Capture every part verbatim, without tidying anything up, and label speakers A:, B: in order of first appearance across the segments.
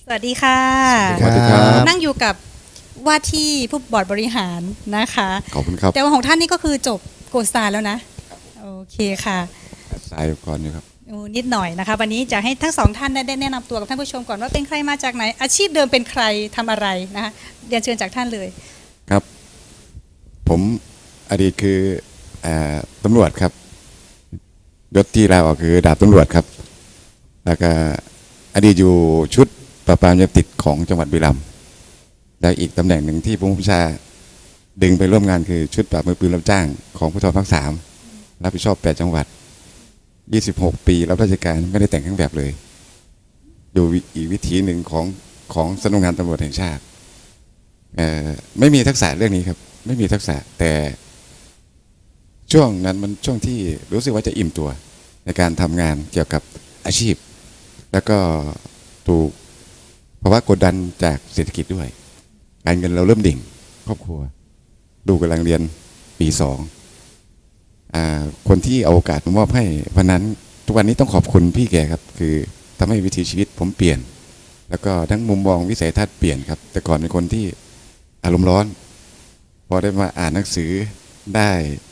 A: สวัสดีค่ะ
B: สวัสดีครับ
A: นั่งอยู่กับว่าที่ผู้บอร์ดบริหารนะคะ
B: ขอบคุณครับ
A: แต่ว่าของท่านนี่ก็คือจบโกสตาแล้วนะโอเคค่ะ
B: สายก่อนอยู่ครับ
A: นิดหน่อยนะคะวันนี้จะให้ทั้งสองท่านได้แนะนำตัวกับท่านผู้ชมก่อนว่าเป็นใครมาจากไหนอาชีพเดิมเป็นใครทำอะไรนะคะเรียนเชิญจากท่านเลย
B: ครับผมอดีตคือตำรวจครับยศที่ลาออกคือดาบตำรวจครับแล้วก็อดีตอยู่ชุดปราบปรามยาเสพติดของจังหวัดบุรีรัมย์และอีกตำแหน่งหนึ่งที่ผู้บัญชาดึงไปร่วมงานคือชุดปราบมือปืนรับจ้างของภูธรภาคสามรับผิดชอบแปดจังหวัดยี่สิบหกปีรับราชการไม่ได้แต่งเครื่องแบบเลยอยู่อีกวิถีหนึ่งของของสำนักงานตำรวจแห่งชาติไม่มีทักษะเรื่องนี้ครับไม่มีทักษะแต่ช่วงนั้นมันช่วงที่รู้สึกว่าจะอิ่มตัวในการทำงานเกี่ยวกับอาชีพแล้วก็ถูกภาวะกดดันจากเศรษฐกิจด้วยการเงินเราเริ่มดิ่งครอบครัวดูกำลังเรียนปีสองคนที่เอาโอกาสมามอบให้วันนั้นทุกวันนี้ต้องขอบคุณพี่แกครับคือทำให้วิถีชีวิตผมเปลี่ยนแล้วก็ทั้งมุมมองวิสัยทัศน์เปลี่ยนครับแต่ก่อนเป็นคนที่อารมณ์ร้อนพอได้มาอ่านหนังสือได้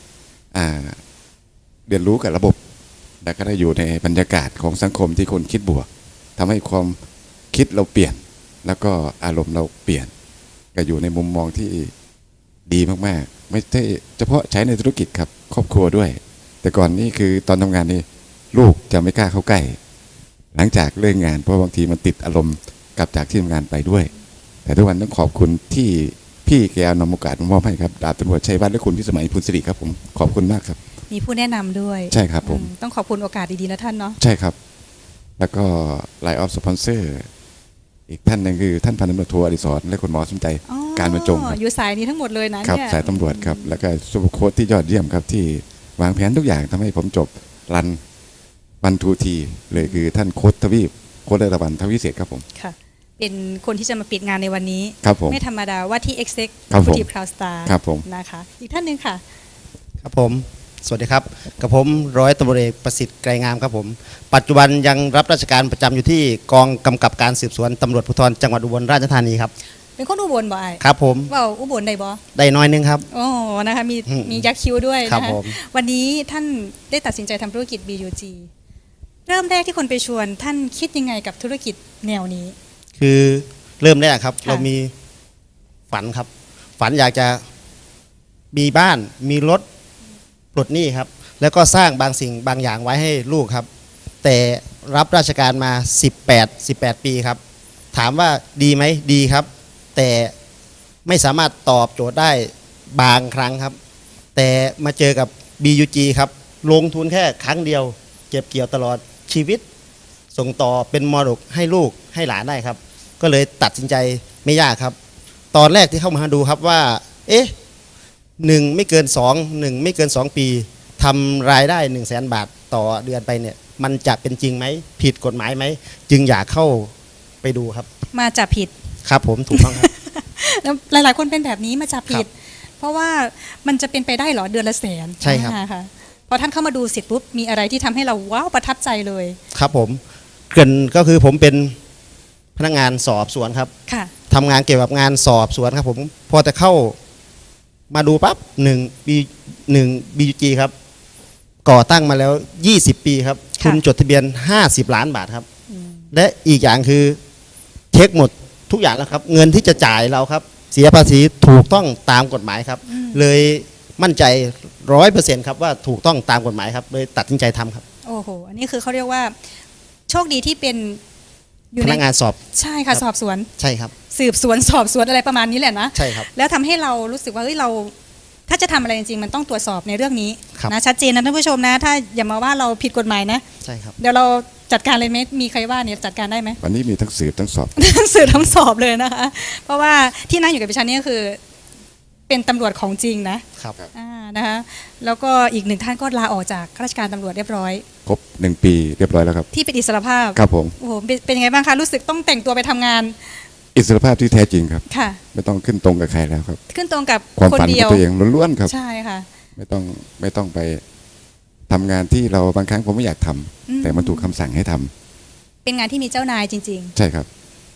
B: เรียนรู้กับระบบแล้วก็ได้อยู่ในบรรยากาศของสังคมที่คนคิดบวกทำให้ความคิดเราเปลี่ยนแล้วก็อารมณ์เราเปลี่ยนก็อยู่ในมุมมองที่ดีมากๆไม่ใช่เฉพาะใช้ในธุรกิจครับครอบครัวด้วยแต่ก่อนนี่คือตอนทำงานนี่ลูกจะไม่กล้าเข้าใกล้หลังจากเลิกงานเพราะบางทีมันติดอารมณ์กลับจากที่ทำงานไปด้วยแต่ทุกวันต้องขอบคุณที่พี่แกนำโอกาสมามอบให้ครับดาบตำรวจชัยวัฒน์และคุณพิสมัยพุนสิริครับผมขอบคุณมากครับ
A: มีผู้แนะนำด้วย
B: ใช่ครับผม
A: ต้องขอบคุณโอกาสดีๆนะท่านเนาะ
B: ใช่ครับแล้วก็ไลน์ออฟสปอนเซอร์อีกท่านหนึ่งคือท่านพันตำรวจโทอดิศรและคุณหมอสมใจการบรรจง
A: อยู่สายนี้ทั้งหมดเลยนะ
B: ครับสายตำรวจครับแล้วก็ซูเปอร์โค้ชที่ยอดเยี่ยมครับที่วางแผนทุกอย่างทำให้ผมจบรันวันทูทีเลยคือท่านโค้ชทวีปโค้ชระดับทวีเศษครับผม
A: ค่ะเป็นคนที่จะมาปิดงานในวันนี้
B: ครับผม
A: ไม่ธรรมดาว่าที่เอ็กเซ็ก
B: ฟู
A: ทีพราวสตาร์
B: ครับผม
A: นะคะอีกท่านหนึ่งค่ะ
C: ครับผมสวัสดีครับกับผมร้อยตำรวจเอกประสิทธิ์ไกรงามครับผมปัจจุบันยังรับราชการประจำอยู่ที่กองกำกับการสืบสวนตำรวจภูธรจังหวัดอุบลราชธานีครับ
A: เป็นคนอุบลบ่ไอ้
C: ครับผม
A: ว่าอุบลได้บ่
C: ได้น้อยนึงครับ
A: โอ้นะคะมีมียักษ์คิ้วด้วย
C: นะคะ
A: วันนี้ท่านได้ตัดสินใจทำธุรกิจ บี ยู จี เริ่มแรกที่คนไปชวนท่านคิดยังไงกับธุรกิจแนวนี้
C: คือเริ่มแรกครับเรามีฝันครับฝันอยากจะมีบ้านมีรถปลดหนี้ครับแล้วก็สร้างบางสิ่งบางอย่างไว้ให้ลูกครับแต่รับราชการมาสิบแปด สิบแปดปีครับถามว่าดีไหมดีครับแต่ไม่สามารถตอบโจทย์ได้บางครั้งครับแต่มาเจอกับ บี ยู จี ครับลงทุนแค่ครั้งเดียวเก็บเกี่ยวตลอดชีวิตส่งต่อเป็นมรดกให้ลูกให้หลานได้ครับก็เลยตัดสินใจไม่ยากครับตอนแรกที่เข้ามาดูครับว่าเอ๊ะหนึ่งไม่เกินสองหนึ่งไม่เกินสองปีทำรายได้หนึ่งแสนบาทต่อเดือนไปเนี่ยมันจะเป็นจริงไหมผิดกฎหมายไหมจึงอยากเข้าไปดูครับ
A: มาจับผิด
C: ครับผมถูกต้องครับ
A: แล้วหลายๆคนเป็นแบบนี้มาจับผิดเพราะว่ามันจะเป็นไปได้หรอเดือนละแสน
C: ใช่ครับ
A: พอท่านเข้ามาดูเสร็จปุ๊บมีอะไรที่ทำให้เราว้าวประทับใจเลย
C: ครับผมเกินก็คือผมเป็นพนักงานสอบสวนครับทำงานเกี่ยวกับงานสอบสวนครับผมพอจะเข้ามาดูปั๊บหนึ่งปีหนึ่ง บี ยู จี ครับก่อตั้งมาแล้วยี่สิบปีครับทุนจดทะเบียนห้าสิบล้านบาทครับและอีกอย่างคือเช็คหมดทุกอย่างแล้วครับเงินที่จะจ่ายเราครับเสียภาษีถูกต้องตามกฎหมายครับเลยมั่นใจร้อยเปอร์เซ็นต์ครับว่าถูกต้องตามกฎหมายครับเลยตัดสินใจทำครับ
A: โอ้โหอันนี้คือเขาเรียกว่าโชคดีที่เป็น
C: พนักงานสอบ
A: ใช่ค่ะสอบสวน
C: ใช่ครับ
A: สืบสวนสอบสวนอะไรประมาณนี้แหละนะ
C: ใช่ครับ
A: แล้วทำให้เรารู้สึกว่าเฮ้ยเราถ้าจะทำอะไรจริงๆมันต้องตรวจสอบในเรื่องนี้นะชัดเจนนะท่านผู้ชมนะถ้าอย่ามาว่าเราผิดกฎหมายนะ
C: ใช่ครับ
A: เดี๋ยวเราจัดการเลยไหมมีใครว่าเนี่ยจัดการได้ไหม
B: วันนี้มีทั้งสืบทั้งสอบ
A: ทั้งสืบทั้งสอบเลยนะคะเพราะว่าที่นั่งอยู่กับดิฉันนี่ก็คือเป็นตำรวจของจริงนะครับอ่านะคะแล้วก็อีกหนึ่งท่านก็ลาออกจากข้าราชการตำรวจเรียบร้อย
B: ครบหนึ่งปีเรียบร้อยแล้วครับ
A: ที่เป็นอิสรภาพ
B: ครับผม
A: โอ้โหเป็นยังไงบ้างคะรู้สึกต้องแต่งตัวไปทำงาน
B: อิสรภาพที่แท้จริงครับ
A: ค่ะ
B: ไม่ต้องขึ้นตรงกับใครแล้วครับ
A: ขึ้นตรงกับ
B: ความฝันของตัวเองล้วนๆครับ
A: ใช่ค่ะ
B: ไม่ต้องไม่ต้องไปทำงานที่เราบางครั้งผมไม่อยากทำแต่มันถูกคำสั่งให้ทำ
A: เป็นงานที่มีเจ้านายจริง
B: ๆใช่ครับ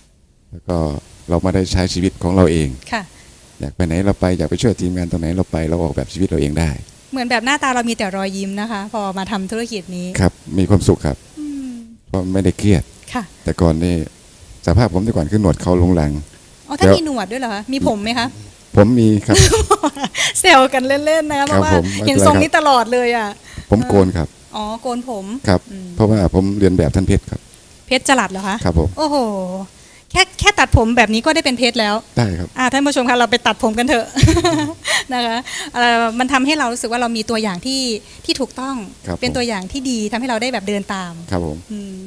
B: แล้วก็เรามาได้ใช้ชีวิตของเราเอง
A: ค่ะ
B: อยากไปไหนเราไปอยากไปช่วยทีมงานตรงไหนเราไปเราออกแบบชีวิตเราเองได้
A: เหมือนแบบหน้าตาเรามีแต่รอยยิ้มนะคะ พอมาทำธุรกิจนี้
B: ครับมีความสุขครับ
A: อืม
B: เพราะไม่ได้เครียด
A: ค่ะ
B: แต่ก่อนนี่สภาพผมแต่ก่อนคือหนวดเขาลงหลัง
A: อ๋อถ้า
B: แล้ว
A: มีหนวดด้วยเหรอคะมีผมไหมคะ
B: ผมมีครับ
A: เซลกันเล่นๆนะคะเพ
B: ครับ
A: ราะว่า
B: ผมไม่
A: เห็น
B: เป็นไร
A: ทรง
B: ครับ
A: นี้ตลอดเลยอ่ะ
B: ผมโกนครับ
A: อ๋อโกนผม
B: ครับ
A: อืม
B: เพราะว่าผมเรียนแบบท่านเพชรครับ
A: เพชรจลัดเหรอคะ
B: ครับผม
A: โอ้โหแค่แค่ตัดผมแบบนี้ก็ได้เป็นเพชรแล้ว
B: ได้ครับ
A: อ่าท่านผู้ชมคะเราไปตัดผมกันเถอะ นะคะเอ่อมันทำให้เรารู้สึกว่าเรามีตัวอย่างที่ที่ถูกต้อง
B: ครับ
A: เป็น
B: ผม
A: ตัวอย่างที่ดีทำให้เราได้แบบเดินตาม
B: ครับผม
A: อืม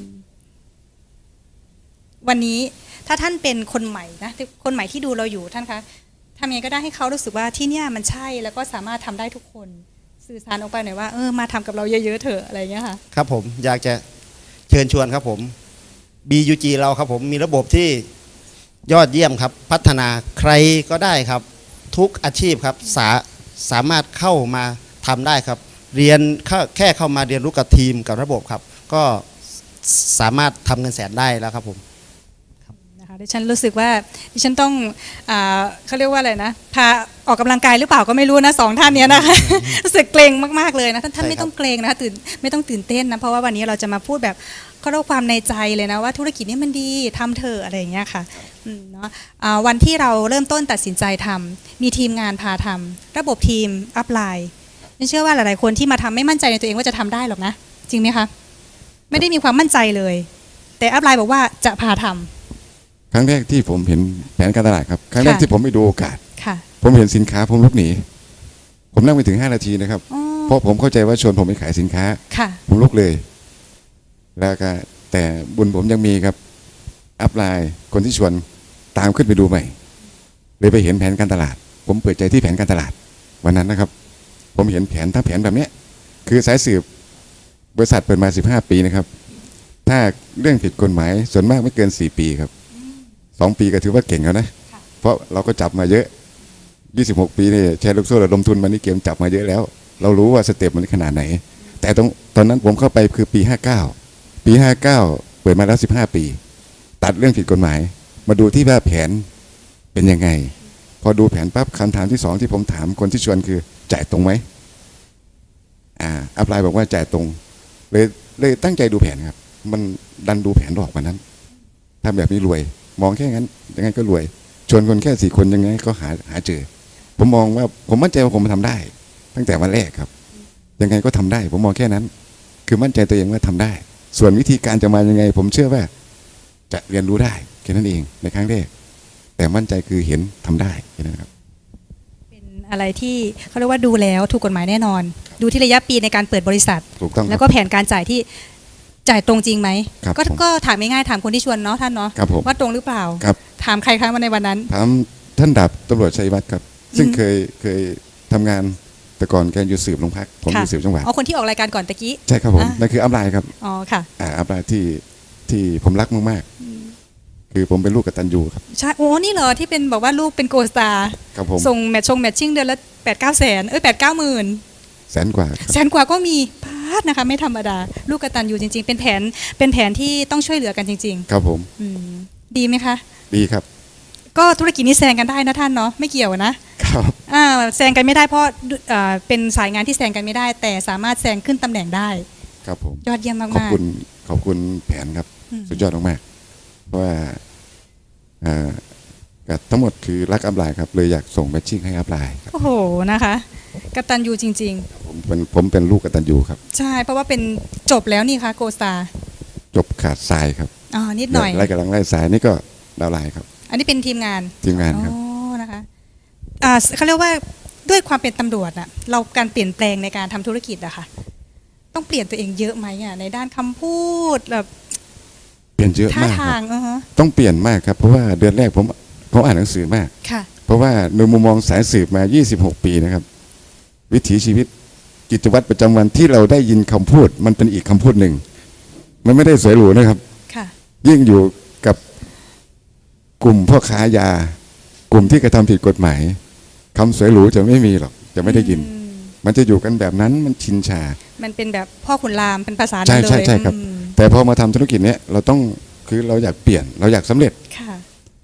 A: วันนี้ถ้าท่านเป็นคนใหม่นะที่คนใหม่ที่ดูเราอยู่ท่านคะทำยังไงก็ได้ให้เขารู้สึกว่าที่เนี่ยมันใช่แล้วก็สามารถทำได้ทุกคน สื่อสารออกไปหน่อยว่าเออมาทำกับเราเยอะๆเถอะอะไรอย่างเงี้ยค่ะ
C: ครับผมอยากจะเชิญชวนครับผม บี ยู จี เราครับผมมีระบบที่ยอดเยี่ยมครับ พัฒนาใครก็ได้ครับ ทุกอาชีพครับสาสามารถเข้ามาทำได้ครับ เรียนเข้าแค่เข้ามาเรียนรู้กับทีมกับระบบครับ ก็สามารถทำเงินแสนได้แล้วครับผม
A: นะคะดิฉันรู้สึกว่าดิฉันต้องอาเขาเรียกว่าอะไรนะพาออกกำลังกายหรือเปล่าก็ไม่รู้นะสองท่านเนี้ยนะคะ รู้สึกเกรงมากๆเลยนะท่านท่าน
C: ใช่
A: ไม่
C: ครับ
A: ต้องเกรงนะคะตื่นไม่ต้องตื่นเต้นนะเพราะว่าวันนี้เราจะมาพูดแบบเขาเรียกว่าความในใจเลยนะว่าธุรกิจนี้มันดีทำเถอะอะไรอย่างเงี้ยค่ะอืมเนาะอ่าวันที่เราเริ่มต้นตัดสินใจทำมีทีมงานพาทำระบบทีมอัพไลน์ฉันเชื่อว่าหลายๆคนที่มาทำไม่มั่นใจในตัวเองว่าจะทำได้หรอกนะจริงไหมคะไม่ได้มีความมั่นใจเลย แต่อัพไลน์บอกว่าจะพาทำ
B: ครั้งแรกที่ผมเห็นแผนการตลาดครับครั้งแรก
A: ค่ะ
B: ที่ผมไปดูโอกาส
A: ค่ะ
B: ผมเห็นสินค้าผมลุกหนีผมนั่งไปถึงห้านาทีนะครับ
A: อ๋อ
B: เพราะผมเข้าใจว่าชวนผมไปขายสินค้า
A: ค่ะ
B: ผมลุกเลย แล้วก็แต่บุญผมยังมีครับ อัพไลน์คนที่ชวนตามขึ้นไปดูใหม่ เลยไปเห็นแผนการตลาด ผมเปิดใจที่แผนการตลาด วันนั้นนะครับ ผมเห็นแผนถ้าแผนแบบเนี้ยคือสายสืบบริษัทเปิดมาสิบห้าปีนะครับ ถ้าเรื่องผิดกฎหมายส่วนมากไม่เกินสี่ปีครับสองปีก็ถือว่าเก่งแล้วนะ
A: ค่ะ
B: เพราะเราก็จับมาเยอะยี่สิบหกปีนี่แชร์ลูกโซ่ระดมทุนมานี่เกมจับมาเยอะแล้ว เรารู้ว่าสเต็ปมันขนาดไหน แต่ตรงตอนนั้นผมเข้าไปคือปีห้าเก้าปีห้าเก้าเปิดมาแล้วสิบห้าปี ตัดเรื่องผิดกฎหมาย มาดูที่ว่าแผนเป็นยังไง พอดูแผนปั๊บคำถามที่สองที่ผมถามคนที่ชวนคือจ่ายตรงไหมอ่าอัพไลน์บอกว่าจ่ายตรง เลยเลยตั้งใจดูแผนครับ มันดันดูแผนหลอกกว่านั้นทำแบบนี้รวย มองแค่นั้นยังไงก็รวย ชวนคนแค่สี่คนยังไงก็หาหาเจอ ผมมองว่าผมมั่นใจว่าผมทำได้ ตั้งแต่วันแรกครับ ยังไงก็ทำได้ ผมมองแค่นั้น คือมั่นใจตัวเองว่าทำได้ ส่วนวิธีการจะมายังไง ผมเชื่อว่า จะเรียนรู้ได้แค่นั้นเองในครั้งแรก แต่มั่นใจคือเห็นทำได้แค่นั้นครับ
A: เป็นอะไรที่เขาเรียกว่าดูแล้วถูกกฎหมายแน่นอน ดูที่ระยะปีในการเปิดบริษัท
B: ถูกต้องค
A: แล้
B: รั
A: ว
B: บ
A: ก็แผนการจ่ายที่จ่ายตรงจริงไหม
B: ครับ
A: ก็
B: ผม
A: ก็ถามง่ายๆถามคนที่ชวนเนาะท่านเนาะ
B: ครับผม
A: ว่าตรงหรือเปล่า
B: ครับ
A: ถามใครคะมาในวันนั้น
B: ถามท่านดาบตำรวจชัยวัฒน์ครับ ซึ่ง
A: อืม
B: เคยเคยทำงานแต่ก่อนแกอยู่สืบโรงพัก ผมอ
A: ค่ะ
B: ยู่สืบจังหวัด
A: อ๋อคนที่ออกรายการก่อนตะกี้
B: ใช่ครับผม
A: อ่ะ
B: นั่นคืออัพไลน์ครับ
A: อ๋อค่ะ
B: อ่าอัพไลน์ที่ที่ผมรักมากๆคือผมเป็นลูกกตัญญูครับ
A: ใช่โอ้นี่เหรอที่เป็นบอกว่าลูกเป็นโกสตาร์
B: ครับผม
A: ส่งแมทชงแมทชิ่งเดือนละแปดเก้าแสนเอ้ยแปดเก้าหมื่น
B: แสนกว่าครับ
A: แสนกว่าก็มีพาดนะคะ ไม่ธรรมดา ลูกกตันอยู่จริง ๆ เป็นแผนเป็นแผนที่ต้องช่วยเหลือกันจริง
B: ครับผม
A: ๆ อืมดีไหมคะ
B: ดีครับ
A: ก็ธุรกิจนี้แซงกันได้นะท่านเนาะไม่เกี่ยวนะ
B: ครับ
A: อ่าแซงกันไม่ได้เพราะอ่าเป็นสายงานที่แซงกันไม่ได้ แต่สามารถแซงขึ้นตำแหน่งได้
B: ครับผม
A: ยอดเยี่ยมมาก
B: ขอบ
A: ๆ
B: คุณขอบคุณแผนครับ
A: อืม
B: สุดยอดมากๆเพราะว่าอ่าก็ทั้งหมดคือรักอัพไลน์ครับเลยอยากส่งแมทชิ่งให้อัพไลน์ครับ
A: โอ้โหนะคะกตันยูจริง
B: ผมเป็นผมเป็นลูกกตัญญูครับ
A: ๆ ใช่เพราะว่าเป็นจบแล้วนี่คะโกสตา
B: จบขาดทรายครับ
A: อ๋อนิดหน่อย
B: ไล่กำลังไล่สายนี่ก็ดาวไลน์ครับ
A: อันนี้เป็นทีมงาน
B: ทีมงานครับ
A: อ๋อนะคะอ่าเขาเรียกว่าด้วยความเป็นตำรวจอะเราการเปลี่ยนแปลงในการทำธุรกิจอะค่ะ ต้องเปลี่ยนตัวเองเยอะไหมอะในด้านคำพูดแบบ
B: เปลี่ยนเยอะ
A: ท่าม
B: ากค
A: ทา
B: รั
A: ง
B: บ
A: เออฮะ
B: ต้องเปลี่ยนมากครับ เพราะว่าเดือนแรกผมผมอ่านหนังสือมาก
A: ค่ะ
B: เพราะว่าในมุมมองสายสืบมา ยี่สิบหก ปีนะครับ วิถีชีวิตกิจวัตรประจำวันที่เราได้ยินคำพูด มันเป็นอีกคำพูดหนึ่ง มันไม่ได้สวยหรูนะครับ
A: ค่ะ
B: ยิ่งอยู่กับกลุ่มพ่อค้ายา กลุ่มที่กระทำผิดกฎหมายคำสวยหรูจะไม่มีหรอก จะไม่ได้ยิน
A: อืม
B: มันจะอยู่กันแบบนั้นมันชินชา
A: มันเป็นแบบพ่อขุนรามเป็นภาษา
B: ใช่
A: นั้นเลย
B: ใช่ใช่ครับ
A: อืม
B: แต่พอมาทำธุรกิจเนี้ยเราต้องคือเราอยากเปลี่ยน เราอยากสำเร็จ
A: ค่ะ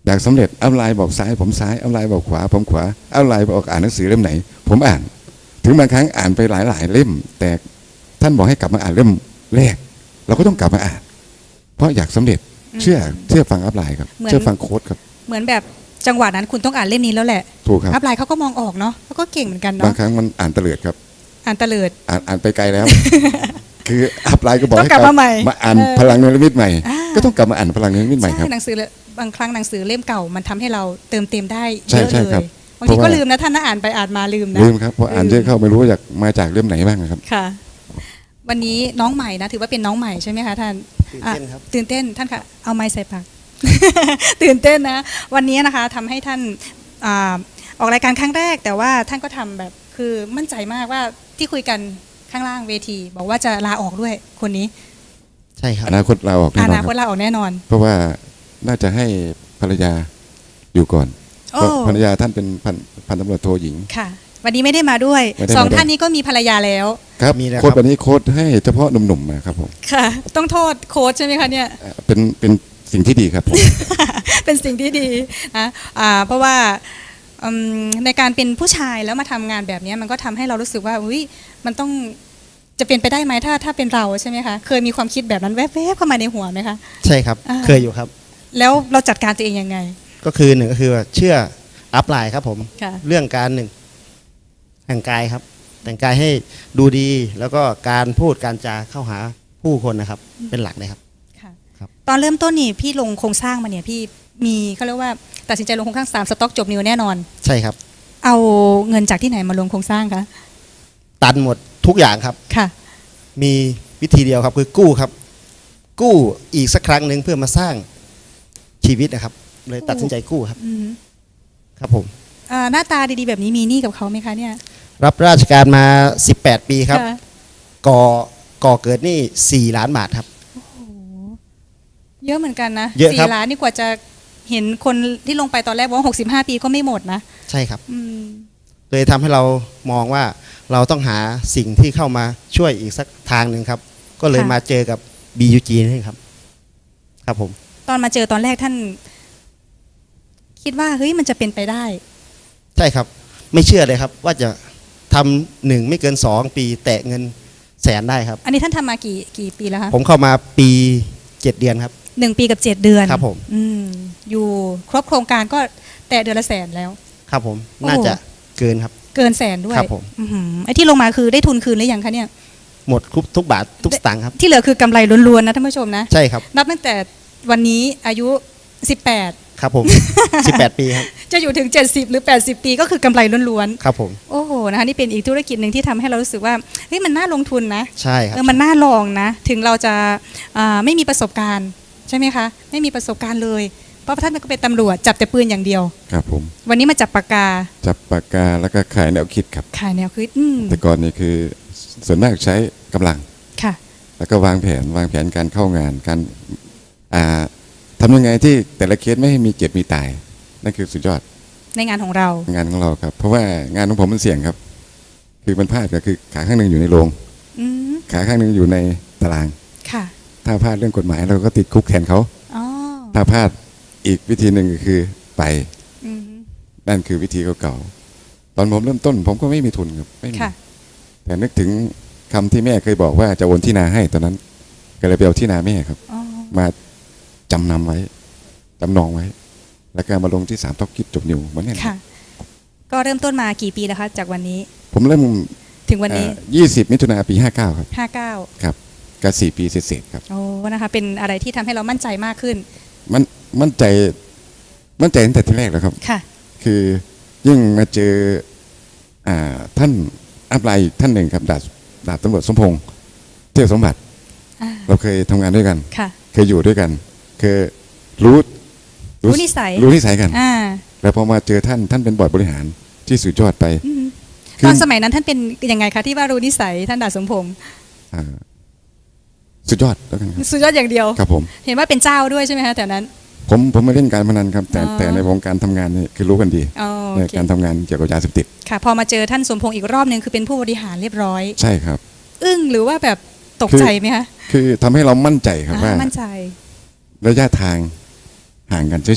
B: อยากสำเร็จอัพไลน์บอกซ้ายผมซ้ายอัพไลน์บอกขวาผมขวาอัพไลน์บอกอ่านหนังสือเล่มไหน ผมอ่าน ถึงบางครั้งอ่านไปหลายๆเล่ม แต่ท่านบอกให้กลับมาอ่านเล่มแรก เราก็ต้องกลับมาอ่าน เพราะอยากสำเร็จเชื่อเชื่อฟังอัพไลน์ครับเชื่อฟังโค้ดครับ
A: เหมือนแบบจังหวะนั้นคุณต้องอ่านเล่มนี้แล้วแหละ
B: ถูกครับ
A: อัพไลน์เขาก็มองออกเนาะเขาก็เก่งเหมือนกัน
B: บา
A: เนาะ
B: งครั้งมันอ่านเตลิดครับ
A: อ่านตะเลิด
B: อ่านอ่านไปไกลแล้ว คืออัพไลน์ก็บอก
A: ต้อง
B: ให้
A: กลับมาใหม่
B: มาอ่าน
A: เออ
B: พลังนิรมิตใหม่
A: อ่า
B: ก็ต้องกลับมาอ่านพลังนิรมิตใหม่ครับ
A: ใช่หนังสือบางครั้งหนังสือเล่มเก่ามันทำให้เราเติมเต็มได้
B: ใช่
A: เยอะ
B: ใช่
A: เล
B: ครับ
A: ยบางที
B: เพราะ
A: ก็
B: ว่า
A: ลืมนะท่านนะอ่านไปอ่านมาลืมนะ
B: ลืมครับเพราะอ่านเยอะเข้าไม่รู้ว่าจากมาจากเล่มไหนบ้างครับ
A: ค่ะ วันนี้น้องใหม่นะถือว่าเป็นน้องใหม่ใช่ไหมคะท่าน
C: ตื่นเต้นครับ
A: อ่ะตื่นเต้นท่านค่ะเอาไม้ใส่ปาก ตื่นเต้นนะ วันนี้นะคะทำให้ท่านอ่าออกรายการครั้งแรก แต่ว่าท่านก็ทำแบบคือมั่นใจมากว่าที่คุยกันข้างล่างเวที บอกว่าจะลาออกด้วยคนนี้
C: ใช่ครับ
B: อนาคตเราออกแน่
A: อน
B: อน
A: นา
B: ค
A: คต
B: รับ
A: ลาออกแน่นอน
B: เพราะว่าน่าจะให้ภรรยาอยู่ก่อน
A: โอ้
B: เพราะภรรยาท่านเป็นพันพันตำรวจโทหญิง
A: ค่ะ วันนี้ไม่ได้มาด้วย
B: ไม่ได้มาด้วย
A: สองท่านนี้ก็มีภรรยาแล้ว
B: ครับ
C: มีแล้วครับ
B: โค้ดวันนี้โค้ดให้เฉพาะหนุ่มๆมาครับผม
A: ค่ะ ต้องโทษโค้ชใช่ไหมคะเนี่ย
B: เอ่อเป็นเป็นสิ่งที่ดีครับผม
A: เป็นสิ่งที่ดีนะอ่าเพราะว่าอืมในการเป็นผู้ชายแล้วมาทำงานแบบนี้มันก็ทำให้เรารู้สึกว่าอุ้ยมันต้องจะเป็นไปได้ไหมถ้าถ้าเป็นเราใช่ไหมคะเคยมีความคิดแบบนั้นแวบๆเข้ามาในหัวไหมคะ
C: ใช่ครับ
A: อ่า
C: เคยอยู่ครับ
A: แล้วเราจัดการตัวเองยังไง
C: ก็คือหนึ่งก็คือว่าเชื่ออัพไลน์ครับผม
A: ค่ะ
C: เรื่องการหนึ่งแต่งกายครับ แต่งกายให้ดูดีแล้วก็การพูดการจาเข้าหาผู้คนนะครับ เป็นหลักเลยครับ
A: ค่ะ
C: ครับ
A: ตอนเริ่มต้นนี่พี่ลงโครงสร้างมาเนี่ยพี่มีเขาเรียกว่าตัดสินใจลงโครงสร้างสามสต็อกจบนิวแน่นอน
C: ใช่ครับ
A: เอาเงินจากที่ไหนมาลงโครงสร้างคะ
C: ตันหมดทุกอย่างครับ
A: ค่ะ
C: มีวิธีเดียวครับคือกู้ครับ กู้อีกสักครั้งหนึ่งเพื่อมาสร้างชีวิตนะครับ เลยตัดสินใจกู้ครับ
A: อืม
C: ครับผม
A: อ่าหน้าตาดีๆแบบนี้มีหนี้กับเขาไหมคะเนี่ย
C: รับราชการมาสิบแปดปีครับ
A: ะ
C: ก่อก่อเกิดหนี่สี่ล้านบาทครับ
A: เยอะเหมือนกันนะ
C: เยอะครับ
A: สี่ล้านนี่กว่าจะเห็นคนที่ลงไปตอนแรกบอกว่าหกสิบห้าปีก็ไม่หมดนะ
C: ใช่ครับ
A: อืม
C: เลยทำให้เรามองว่าเราต้องหาสิ่งที่เข้ามาช่วยอีกสักทางหนึ่งครับ ก็เลยมาเจอกับ บี ยู จี นี่ครับ ครับผม
A: ตอนมาเจอตอนแรกท่าน คิดว่าเฮ้ยมันจะเป็นไปได้
C: ใช่ครับ ไม่เชื่อเลยครับ ว่าจะทำหนึ่งไม่เกินสองปีแตะเงินแสนได้ครับ
A: อันนี้ท่านทำมากี่กี่ปีแล้วคะ
C: ผมเข้ามาปีเจ็ดเดือนครับ
A: หนึ่งปีกับเจ็ดเดือน
C: ครับผม
A: อืมอยู่ครบโครงการก็แต่เดือนละแสนแล้ว
C: ครับผม
A: โอ้
C: น่าจะเกินครับ
A: เกินแสนด้วย
C: ครับผม
A: อื้อหือไอ้ที่ลงมาคือได้ทุนคืนหรือยังคะเนี่ย
C: หมดทุกทุกบาททุกสตางค์ครับ
A: ที่เหลือคือกำไรล้วนๆนะท่านผู้ชมนะ
C: ใช่ครับ
A: นับตั้งแต่วันนี้อายุสิบแปด
C: ครับผม สิบแปดปีครับ
A: จะอยู่ถึงเจ็ดสิบหรือแปดสิบปีก็คือกำไรล้วนๆ
C: ครับผม
A: โอ้โหนะคะนี่เป็นอีกธุรกิจหนึ่งที่ทำให้เรารู้สึกว่าเฮ้ยมันน่าลงทุนนะ
C: ใช่ครับ
A: เออมันน่าลองนะ ถึงเราจะอ่าไม่มีประสบการณ์ใช่ไหมคะ ไม่มีประสบการณ์เลย เพราะท่านก็เป็นตำรวจจับแต่ปืนอย่างเดียว
B: ครับผม
A: วันนี้มาจับปากกา
B: จับปากกาแล้วก็ขายแนวคิดครับ
A: ขายแนวคิดอืม
B: แต่ก่อนนี่คือส่วนมากใช้กำลัง
A: ค่ะ
B: แล้วก็วางแผนวางแผนการเข้างานการอ่าทำยังไงที่แต่ละเคสไม่ให้มีเจ็บมีตาย นั่นคือสุดยอด
A: ในงานของเรา
B: งานของเราครับ เพราะว่างานของผมมันเสี่ยงครับ คือมันพลาดก็คือขาข้างหนึ่งอยู่ในโรง
A: อืม
B: ขาข้างหนึ่งอยู่ในตาราง
A: ค่ะ
B: ถ้าพลาดเรื่องกฎหมายเราก็ติดคุกแทนเขา
A: อ๋อ
B: ถ้าพลาดอีกวิธีหนึ่งก็คือไป
A: อืม
B: นั่นคือวิธีเก่าๆตอนผมเริ่มต้น ผมก็ไม่มีทุนครับไม่มี
A: ค่ะ
B: แต่นึกถึงคำที่แม่เคยบอกว่าจะโอนที่นาให้ตอนนั้น ก็เลยไปเอาที่นาแม่ครับ
A: อ๋อ
B: มาจำนำไว้จำนองไว้ แล้วก็มาลงที่สามท็อกกิจจบนิวเหมือนกัน
A: ค่ะ ก็เริ่มต้นมากี่ปีแล้วคะ จากวันนี้
B: ผมเริ่ม
A: ถึงวันนี้
B: ยี่สิบมิถุนาปีห้าเก้าครับ
A: ห้าเก้า
B: ครับก็สี่ปีเศษๆครับ
A: โอ้นะคะ เป็นอะไรที่ทำให้เรามั่นใจมากขึ้น
B: มันมั่นใจมั่นใจตั้งแต่ที่แรกแล้วครับ
A: ค่ะ
B: คือยิ่งมาเจออ่าท่านอัพไลน์อีกท่านหนึ่งครับดาบดาบตำรวจสมพงษ์เที่ยวสมบัติ
A: อ่า
B: เราเคยทำงานด้วยกัน
A: ค่ะ
B: เคยอยู่ด้วยกันเคยรู้
A: รู้นิสัย
B: รู้นิสัยกัน
A: อ่า
B: แล้วพอมาเจอท่านท่านเป็นบอร์ดบริหารที่สุดยอดไป
A: อืม
B: คือ
A: ตอนสมัยนั้นท่านเป็นยังไงคะที่ว่ารู้นิสัยท่านดาบสมพงษ์
B: อ่าสุดยอดแล้วกันครับ
A: สุดยอดอย่างเดียว
B: ครับผม
A: เห็นว่าเป็นเจ้าด้วยใช่ไหมคะแต่นั้น
B: ผมผมไม่เล่นการพนันครับ แต่
A: อ๋อ
B: แต่ในวงการทำงานนี่คือรู้กันดี
A: อ๋อ
B: ใน
A: โอเค
B: การทำงานเกี่ยวกับยาเสพติด
A: ค่ะ พอมาเจอท่านสมพงษ์อีกรอบหนึ่งคือเป็นผู้บริหารเรียบร้อย
B: ใช่ครับ
A: อึ้งหรือว่าแบบตกใจไหมคะ
B: คือทำให้เรามั่นใจครับว่า
A: อ่ามั่นใจ
B: ระยะทางห่างกันเฉย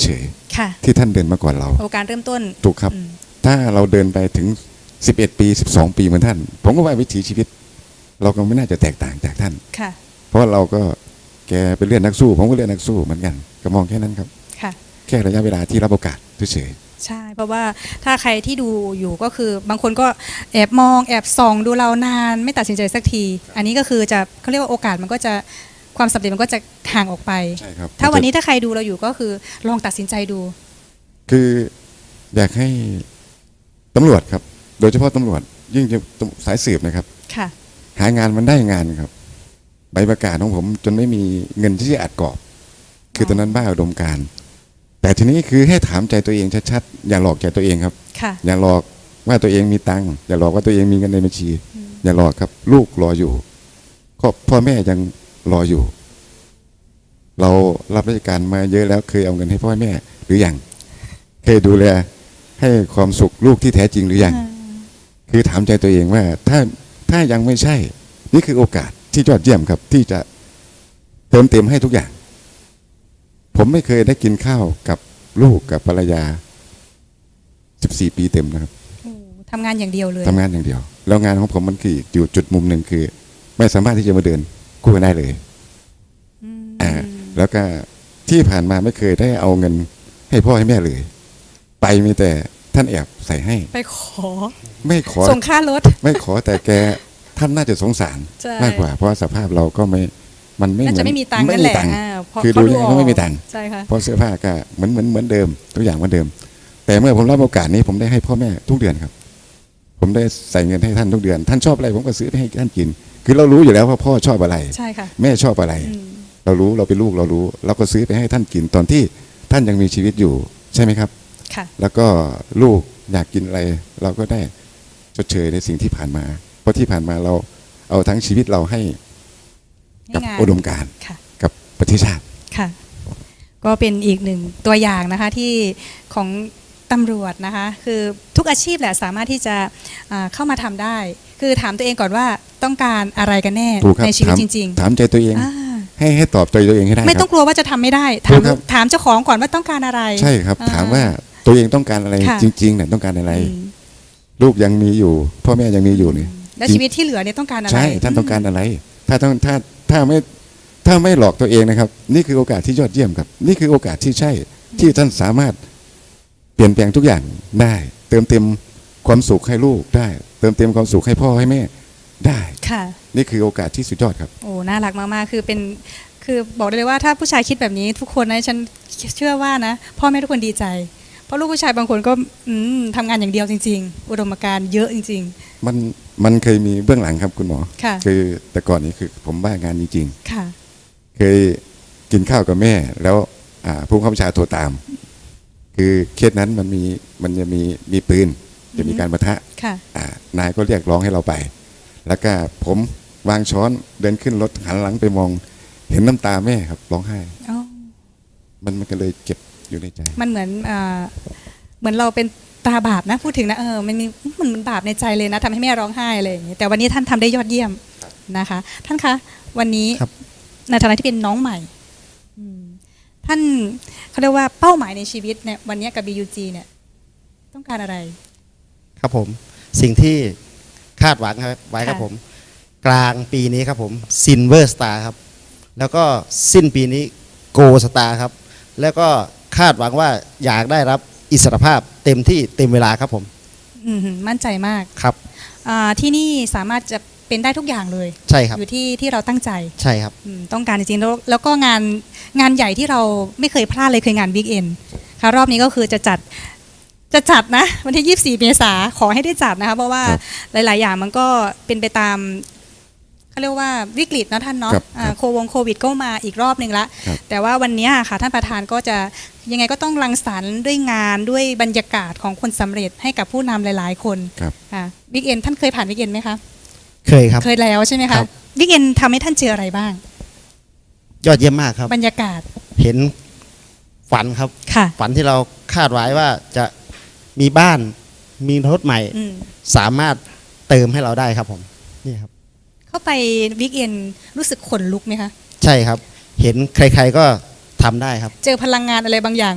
A: ค่ะ
B: ที่ท่านเดินมาก่อนเรา
A: โอการเริ่มต้น
B: ถูกครับ
A: อืม
B: ถ้าเราเดินไปถึงสิบเอ็ดปีสิบสองปีเหมือนท่าน ผมก็ว่าวิถีชีวิต เราก็ไม่น่าจะแตกต่างจากท่าน
A: ค่ะ
B: เพราะเราก็แกเป็นเลือดนักสู้ ผมก็เลือดนักสู้เหมือนกันก็มองแค่นั้นครับ
A: ค่ะ
B: แค่ระยะเวลาที่รับโอกาสเฉย
A: ใช่ เพราะว่าถ้าใครที่ดูอยู่ก็คือบางคนก็แอบมองแอบส่องดูเรานานไม่ตัดสินใจสักที อันนี้ก็คือจะเขาเรียกว่าโอกาสมันก็จะความสำเร็จมันก็จะห่างออกไป
B: ๆใช่ครับ
A: ถ้าวันนี้ถ้าใครดูเราอยู่ก็คือลองตัดสินใจดู
B: คืออยากให้ตำรวจครับ โดยเฉพาะตำรวจยิ่งจะสายสืบนะครับ
A: ค่ะ
B: หางานมันได้งานครับ ใบประกาศของผมจนไม่มีเงินที่จะอัดกรอบ คือตอนนั้นบ้าอุดมการณ์แต่ทีนี้คือให้ถามใจตัวเองชัดๆอย่าหลอกใจตัวเองครับ
A: ค่ะ
B: อย่าหลอกว่าตัวเองมีตังค์อย่าหลอกว่าตัวเองมีเงินในบัญชี อย่าหลอกครับ ลูกรออยู่ครอบพ่อแม่ยังรออยู่ เรารับราชการมาเยอะแล้วเคยเอาเงินให้พ่อแม่หรือยังเคยดูแลให้ความสุขลูกที่แท้จริงหรือยังคือถามใจตัวเองว่าถ้าถ้ายังไม่ใช่ นี่คือโอกาสที่ยอดเยี่ยมครับ ที่จะเติมเต็มให้ทุกอย่าง ผมไม่เคยได้กินข้าวกับลูกกับภรรยาสิบสี่ปีเต็มนะครับ
A: โอ้ทำงานอย่างเดียวเลย
B: ทำงานอย่างเดียว แล้วงานของผมมันคืออยู่จุดมุมหนึ่งคือ ไม่สามารถที่จะมาเดินคู่กันได้เลย
A: อืม
B: อ่าแล้วก็ที่ผ่านมาไม่เคยได้เอาเงินให้พ่อให้แม่เลย ไปมีแต่ท่านแอบใส่ให้
A: ไปขอ
B: ไม่ขอ
A: ส่งค่ารถ
B: ไม่ขอแต่แกท่านน่าจะสงสาร
A: ใช่
B: มากกว่า เพราะสภาพเราก็ไม่มันไม่
A: น่า
B: เหมื
A: จะ
B: อน
A: ไม่มีตังค์
B: ไม่
A: นั่น
B: มี
A: แหละ
B: ตังค์
A: อ่าเพราะ
B: คือ
A: เขา
B: ดูแล
A: อ
B: ก็
A: อก
B: ไม่มีตังค์
A: ใช่ค่ะ
B: เพราะเสื้อผ้าก็เหมือนเหมือนเหมือนเดิมทุกอย่างเหมือนเดิม แต่เมื่อผมรับโอกาสนี้ผมได้ให้พ่อแม่ทุกเดือนครับ ผมได้ใส่เงินให้ท่านทุกเดือน ท่านชอบอะไรผมก็ซื้อไปให้ท่านกิน คือเรารู้อยู่แล้วว่าพ่อชอบอะไร
A: ใช่ค่ะ
B: แม่ชอบอะไร
A: อืม
B: เรารู้เราเป็นลูกเรารู้ เราก็ซื้อไปให้ท่านกินตอนที่ท่านยังมีชีวิตอยู่ใช่ไหมครับ
A: ค่ะ
B: แล้วก็ลูกอยากกินอะไร เราก็ได้ชดเชยในสิ่งที่ผ่านมา เพราะที่ผ่านมาเราเอาทั้งชีวิตเราให้กับ
A: ให้งาน
B: อุดมการณ์
A: ค่ะ
B: กับประเทศชาติ
A: ค่ะ ก็เป็นอีกหนึ่งตัวอย่างนะคะที่ของตำรวจนะคะ คือทุกอาชีพแหละสามารถที่จะอ่าเข้ามาทำได้ คือถามตัวเองก่อนว่าต้องการอะไรกันแน่
B: ถูกครับ
A: ในชีวิต
B: ถาม
A: จริง
B: ถามใจตัวเอง
A: ๆอ่า
B: ให้ให้ตอบใจตัวเองให้ได้
A: ไม่
B: ค
A: ต้
B: รั
A: อบ งกลัวว่าจะทำไม่ได้
B: ถู
A: ถาม
B: กครับ
A: ถามเจ้าของก่อนว่าต้องการอะไร
B: ใช่ครับ
A: อ่า
B: ถามว่าตัวเองต้องการอะไร
A: ค่ะ
B: จริงๆเนี่ยต้องการอะไร
A: อืม
B: ลูกยังมีอยู่ พ่อแม่ยังมีอยู่นี่
A: และชีวิตที่เหลือเนี่ยต้องการอะไร
B: ใช่ท่านต้องการอะไร ถ้าต้องถ้าถ้าไม่ถ้าไม่หลอกตัวเองนะครับ นี่คือโอกาสที่ยอดเยี่ยมครับ นี่คือโอกาสที่ใช่ที่ท่านสามารถเปลี่ยนแปลงทุกอย่างได้ เติมเต็มความสุขให้ลูกได้ เติมเต็มความสุขให้พ่อให้แม่ได้
A: ค่ะ
B: นี่คือโอกาสที่สุดยอดครับ
A: โอ้น่ารักมากๆ คือเป็น คือบอกได้เลยว่าถ้าผู้ชายคิดแบบนี้ทุกคนนะฉันเชื่อว่านะพ่อแม่ทุกคนดีใจ เพราะลูกผู้ชายบางคนก็อืมทำงานอย่างเดียวจริง ๆ อุดมการณ์เยอะจริง
B: มันมันเคยมีเบื้องหลังครับคุณหมอ
A: ค่ะ
B: คือแต่ก่อนนี้คือผมบ้างานจริง
A: ๆ ค่ะ
B: ๆ เคยกินข้าวกับแม่ แล้วอ่าผู้บังคับบัญชาโทรตาม คือเคสนั้นมันมีมันจะมีมีปืนจะมีการปะทะ
A: ค่ะ
B: อ่านายก็เรียกร้องให้เราไป แล้วก็ผมวางช้อนเดินขึ้นรถหันหลังไปมอง เห็นน้ำตาแม่ครับร้องไห้
A: อ๋อ
B: มันมันก็เลยเก็บอยู่ในใจ
A: มันเหมือนอ่าเหมือนเราเป็นตาบาปนะพูดถึงนะเออมันมีมันมันบาปในใจเลยนะทำให้แม่ร้องไห้อะไรอย่างเงี้ยแต่วันนี้ท่านทำได้ยอดเยี่ยมนะคะ ท่านคะวันนี้
C: ครับ
A: ในฐานะที่เป็นน้องใหม่อืมท่านเขาเรียกว่าเป้าหมายในชีวิตเนี่ยวันนี้กับ บี ยู จี เนี่ยต้องการอะไร
C: ครับผมสิ่งที่คาดหวังครับไว้ครับ
A: ค่ะ
C: ผม กลางปีนี้ครับผมซินเวอร์สตาร์ครับ แล้วก็สิ้นปีนี้โกสตาร์ครับ แล้วก็คาดหวังว่าอยากได้รับอิสรภาพเต็มที่เต็มเวลาครับผม
A: อืมมั่นใจมาก
C: ครับ
A: อ่าที่นี่สามารถจะเป็นได้ทุกอย่างเลย
C: ใช่ครับ
A: อยู่ที่ที่เราตั้งใจ
C: ใช่ครับ
A: อืมต้องการจริงๆแล้วแล้วก็งานงานใหญ่ที่เราไม่เคยพลาดเลยคืองานวิกเอนค่ะรอบนี้ก็คือจะจัดจะจัดนะวันที่ยี่สิบสี่เมษาขอให้ได้จัดนะคะเพราะว่า
B: ครับ
A: หลาย ๆ อย่างมันก็เป็นไปตามเขาเรียกว่าวิกฤตนะท่านเนาะ
B: ครับ
A: อ่าโควงโควิดก็มาอีกรอบหนึ่งละ
B: ครับ
A: แต่ว่าวันนี้ค่ะท่านประธานก็จะยังไงก็ต้องรังสรรค์ด้วยงานด้วยบรรยากาศของคนสำเร็จให้กับผู้นำหลาย ๆ คน
B: ครับ
A: ค่ะวิกเอนท่านเคยผ่านวิกเอนไหมคะ
C: เคยครับ
A: เคยแล้วใช่ไหม
C: ครั
A: คะ
C: บ
A: วิกเอนทำให้ท่านเจออะไรบ้าง
C: ยอดเยี่ยมมากครับ
A: บรรยากาศ
C: เห็นฝันครับ
A: ค่ะ
C: ฝันที่เราคาดไว้ว่าจะมีบ้านมีรถใหม่
A: อืม
C: สามารถเติมให้เราได้ครับผมนี่ครับ
A: เข้าไปวิกเอนรู้สึกขนลุกไหมคะ
C: ใช่ครับ เห็นใครๆก็ทำได้ครับ
A: เจอพลังงานอะไรบางอย่างไหม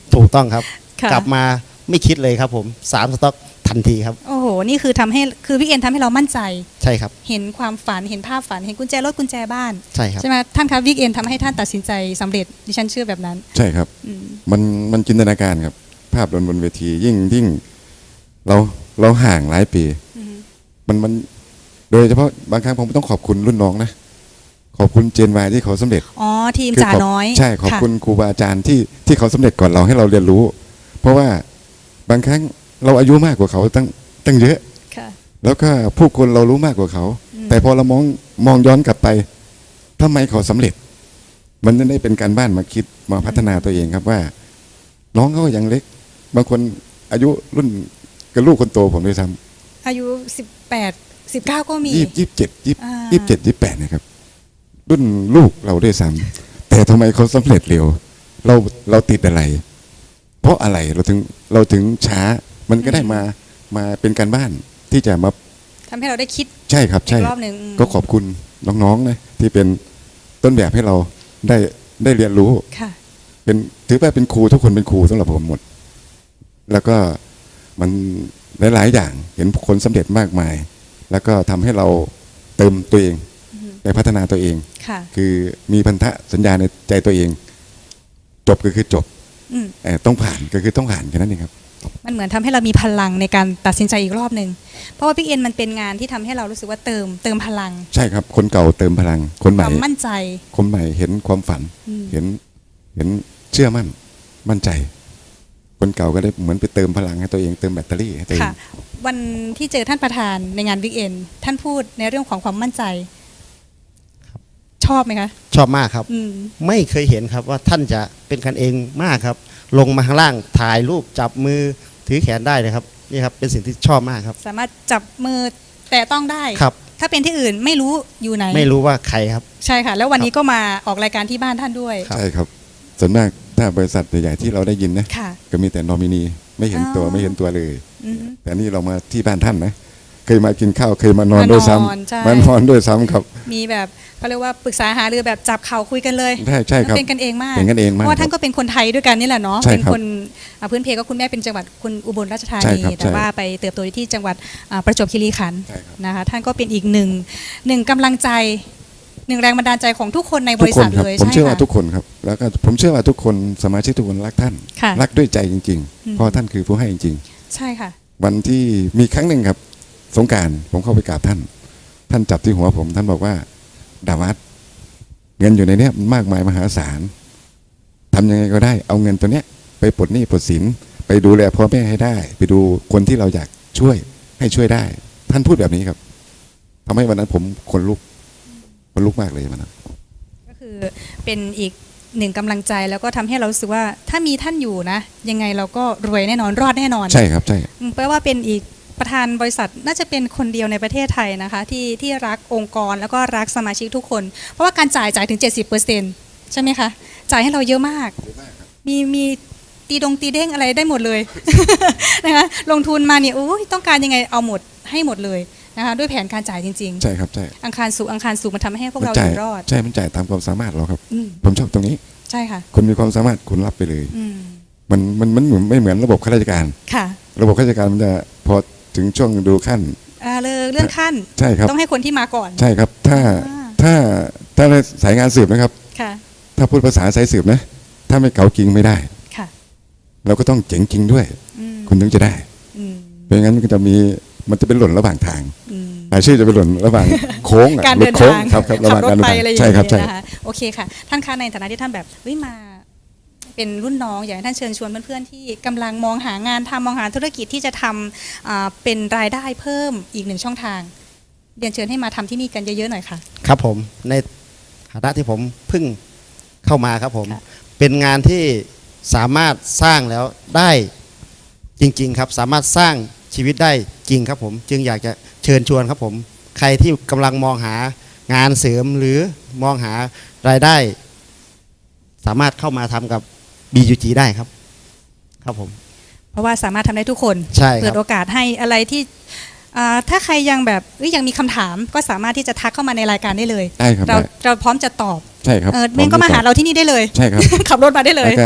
C: ถูกต้องครับ
A: ค่ะ
C: กลับมาไม่คิดเลยครับผมสามสต็อกทันทีครับ
A: โอ้โห นี่คือทำให้คือพี่เอ็นทำให้เรามั่นใจ
C: ใช่ครับ
A: เห็นความฝันเห็นภาพฝันเห็นกุญแจรถกุญแจบ้าน
C: ใช่ครับ
A: ใช่ไหมท่านคะวิกเอ็นทำให้ท่านตัดสินใจสำเร็จดิฉันเชื่อแบบนั้น
B: ใช่ครับ
A: อืม
B: มันมันจินตนาการครับ ภาพบนบนเวทียิ่งยิ่งเราเราห่างหลายปี
A: อืม
B: มันมันโดยเฉพาะบางครั้งผมต้องขอบคุณรุ่นน้องนะ ขอบคุณเจนวายที่เขาสำเร็จ
A: อ๋อทีม
B: คือ
A: จ่า
B: ขอบ
A: น้อย
B: ใช่ขอบคุณครูบาอาจารย์ที่ที่เขาสำเร็จก่อนเราให้เราเรียนรู้ เพราะว่าบางครั้งเราอายุมากกว่าเขาตั้งตั้งเยอะ
A: ค่ะ
B: แล้วก็ผู้คนเรารู้มากกว่าเขา
A: อืม
B: แต่พอเรามองมองย้อนกลับไปทำไมเขาสำเร็จ มันจะได้เป็นการบ้านมาคิดมาพัฒนาตัวเองครับว่า น้องเขาก็ยังเล็ก บางคนอายุรุ่นกับลูกคนโตผมด้วยซ้
A: อายุสิบแปดสิบเก้าก็มี
B: ำยี่ยี่สิบเจ็ดยี่
A: อ่า
B: ยี่สิบเจ็ดยี่สิบแปดนะครับ รุ่นลูกเราด้วยซ้ำแต่ทำไมเขาสำเร็จเร็ว เราเราติดอะไร เพราะอะไรเราถึงเราถึงช้า มันก็ได้มามาเป็นการบ้านที่จะมา
A: ทำให้เราได้คิด
B: ใช่ครับ
A: อี
B: ใช่
A: กรอบหนึ่งอืม
B: ก็ขอบคุณน้องๆนะที่เป็นต้นแบบให้เราได้ได้เรียนรู้
A: ค่ะ
B: เป็นถือว่าเป็นครูทุกคนเป็นครูสำหรับผมหมด แล้วก็มันหลายๆอย่างเห็นคนสำเร็จมากมาย แล้วก็ทำให้เราเติมตัวเองได้พัฒนาตัวเอง
A: ค่ะ
B: คือมีพันธะสัญญาในใจตัวเอง จบก็คือจบ
A: อืม
B: เอ่อต้องผ่านก็คือต้องผ่านแค่นั้นเองครับ
A: มันเหมือนทำให้เรามีพลังในการตัดสินใจอีกรอบหนึ่งเพราะว่าบิ๊กเอ็นมันเป็นงานที่ทำให้เรารู้สึกว่าเติมเติมพลัง
B: ใช่ครับ คนเก่าเติมพลัง คนให
A: ค
B: ม่
A: วามมั่นใจ
B: คนใหม่เห็นความฝัน
A: อืม
B: เห็นเห็นเชื่อมั่นมั่นใจ คนเก่าก็ได้เหมือนไปเติมพลังให้ตัวเองเติมแบตเตอรี่ให้ตัวเอง
A: ค่ะ วันที่เจอท่านประธานในงานบิ๊กเอ็นท่านพูดในเรื่องของความมั่นใจ ชอบไหมคะ
C: ชอบมากครับ
A: อืม
C: ไม่เคยเห็นครับว่าท่านจะเป็นกันเองมากครับ ลงมาข้างล่างถ่ายรูปจับมือถือแขนได้เลยครับนี่ครับเป็นสิ่งที่ชอบมากครับ
A: สามารถจับมือแต่ต้องได้
C: ครับ
A: ถ้าเป็นที่อื่นไม่รู้อยู่ไหน
C: ไม่รู้ว่าใครครับ
A: ใช่ค่ะ แล้ววันนี้ก็มาออกรายการที่บ้านท่านด้วย
C: ครับ
B: ใช่ครับ ส่วนมากถ้าบริษัทใหญ่ๆที่เราได้ยินนะ
A: ค่ะ
B: ก็มีแต่นอมินีไม่เห็นตัว
A: อ๋อ
B: ไม่เห็นตัวเลย
A: อืม
B: แต่นี่เรามาที่บ้านท่านนะเคยมากินข้าวเคยมานอนด้วยซ้
A: มานอนใช่
B: ำมานอนด้วยซ้ำครับ
A: มีแบบเขาเรียกว่าปรึกษาหารือแบบจับเข่าคุยกันเลย
B: ใช่ใช่ครับ
A: เป็นกันเองมาก
B: เป็นกันเองมาก
A: เพราะว่าท่าน
B: ครับ
A: ก็เป็นคนไทยด้วยกันนี่แหละเนาะ
B: ใช่
A: เป็น
B: ครับ
A: คนอ่าพื้นเพก็คุณแม่เป็นจังหวัดคุณอุบลราชธา
B: ใช่
A: นี
B: ครับ
A: แต่
B: ใช่
A: ว่าไปเติบโตอยู่ที่จังหวัดอ่าประจวบคีรีขันธ์
B: ใช่ครับ
A: นะคะท่านก็เป็นอีกหนึ่งหนึ่งกำลังใจหนึ่งแรงบันดาลใจของทุกคนในบ
B: ทุก
A: ริ
B: ค
A: ษั
B: น
A: ท
B: ครับ
A: เลย
B: ผม
A: ใช่
B: เชื่อว่า
A: ค่ะ
B: ทุกคนครับ แล้วก็ผมเชื่อว่าทุกคนสมาชิกทุกคนรักท่าน
A: ค่ะ
B: รักด้วยใจจริง
A: อืม
B: ๆ เพราะท่านคือผู้ให้จริง
A: ใช่ค่ะ
B: ๆ วันที่มีครั้งหนึ่งครับ สงกรารผมเข้าไปกราบท่าน ท่านจับที่หัวผม ท่านบอกว่าดาวัดเงินอยู่ในเนี้ยมันมากมายมหาศาลทำยังไงก็ได้เอาเงินตัวเนี้ยไปปลดหนี้ปลดสินไปดูแลพ่อแม่ให้ได้ ไปดูคนที่เราอยากช่วยให้ช่วยได้ ท่านพูดแบบนี้ครับทำให้วันนั้นผมคนลุกคนลุกมากเลยวันนั้น
A: ก็คือเป็นอีกหนึ่งกำลังใจแล้วก็ทำให้เรารู้สึกว่าถ้ามีท่านอยู่นะ ยังไงเราก็รวยแน่นอนรอดแน่นอน
B: ใช่ครับใช่
A: อืมแปลว่าเป็นอีกประธานบริษัทน่าจะเป็นคนเดียวในประเทศไทยนะคะที่ที่รักองค์กรแล้วก็รักสมาชิกทุกคน เพราะว่าการจ่ายจ่ายถึง เจ็ดสิบเปอร์เซ็นต์ ใช่ไหมคะจ่ายให้เราเยอะมาก มีมีตีดงตีเด้งอะไรได้หมดเลย นะคะลงทุนมาเนี่ยโอ้ยต้องการยังไงเอาหมดให้หมดเลยนะคะด้วยแผนการจ่ายจริง
B: ใช่ครับใช่
A: ๆ อังคารสู่อังคารสู่มันทำให้พวก
B: มัน
A: เราอ
B: จ่าย
A: ยู่รอด
B: ใช่มันจ่ายตามความสามารถเราครับ
A: อืม
B: ผมชอบตรงนี้
A: ใช่ค่ะ
B: คุณมีความสามารถคุณรับไปเลย
A: อืม
B: มันมันมันเหมือนไม่เหมือนระบบข้าราชการ
A: ค่ะ
B: ระบบข้าราชการมันจะพอถึงช่วงดูขั้น
A: อ่าเลยเลื่อนขั้น
B: ใช่ครับ
A: ต้องให้คนที่มาก่อน
B: ใช่ครับ ถ้า
A: อ่า
B: ถ้าถ้าในสายงานสืบนะครับ
A: ค่ะ
B: ถ้าพูดภาษาสายสืบนะ ถ้าไม่เก๋าจริงไม่ได้
A: ค่ะ
B: เราก็ต้องเจ๋งจริงด้วย
A: อืม
B: คุณถึงจะได้
A: อืม
B: ไม่งั้นมันก็จะมีมันจะเป็นหล่นระหว่างทาง
A: อืม
B: รายชื่อจะเป็นหล่นระหว่างโค้งอะ
A: การ
B: หลุ
A: เดิ
B: ด
A: น
B: โค้ง
A: ทาง
B: ครับครับระห
A: ขั
B: ว่าง
A: รถ
B: การเดิน
A: ไป
B: ทาง
A: อะไรอย่าง
B: ใช่ครับ
A: เงี้
B: ใช่
A: ยนะคะโอเคค่ะ ท่านคะในฐานะที่ท่านแบบเฮ้ยมา เป็นรุ่นน้องอยากให้ท่านเชิญชวนเพื่อนๆที่กำลังมองหางานทำมองหาธุรกิจที่จะทำอ่าเป็นรายได้เพิ่มอีกหนึ่งช่องทางเรียนเชิญให้มาทำที่นี่กันเยอะๆหน่อยค่ะ
C: ครับผมในฐานะที่ผมเพิ่งเข้ามาครับผม
A: ค่ะ
C: เป็นงานที่สามารถสร้างแล้วได้จริง ๆ ครับ สามารถสร้างชีวิตได้จริงครับผม จึงอยากจะเชิญชวนครับผม ใครที่กำลังมองหางานเสริมหรือมองหารายได้ สามารถเข้ามาทำกับ บี ยู จี ได้ครับ ครับผม
A: เพราะว่าสามารถทำได้ทุกคน
C: ใช่ครับ
A: เปิดโอกาสให้อะไรที่อ่าถ้าใครยังแบบเอ้ยยังมีคำถามก็สามารถที่จะทักเข้ามาในรายการได้เลย
B: ได้ครับ
A: เรา
B: ได้
A: เราพร้อมจะตอบ
B: ใช่ครับ
A: เออเมนก็มาหาเราที่นี่ได้เลย
B: ใช่ครับ
A: ขับรถมาได้เลย
B: แล้วก็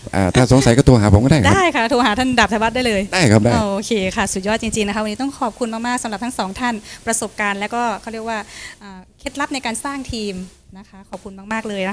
B: อ่าถ้าสงสัยก็โทรหาผมก็ได้ครับ
A: ได้ค่ะโทรหาท่านดาบธวัฒน์ได้เลย
B: ได้ครับได้
A: โอเคค่ะ สุดยอดจริงๆนะคะวันนี้ต้องขอบคุณมากๆสำหรับทั้งสองท่านประสบการณ์ และก็เขาเรียกว่าอ่าเคล็ดลับในการสร้างทีมนะคะขอบคุณมากๆเลยนะคะ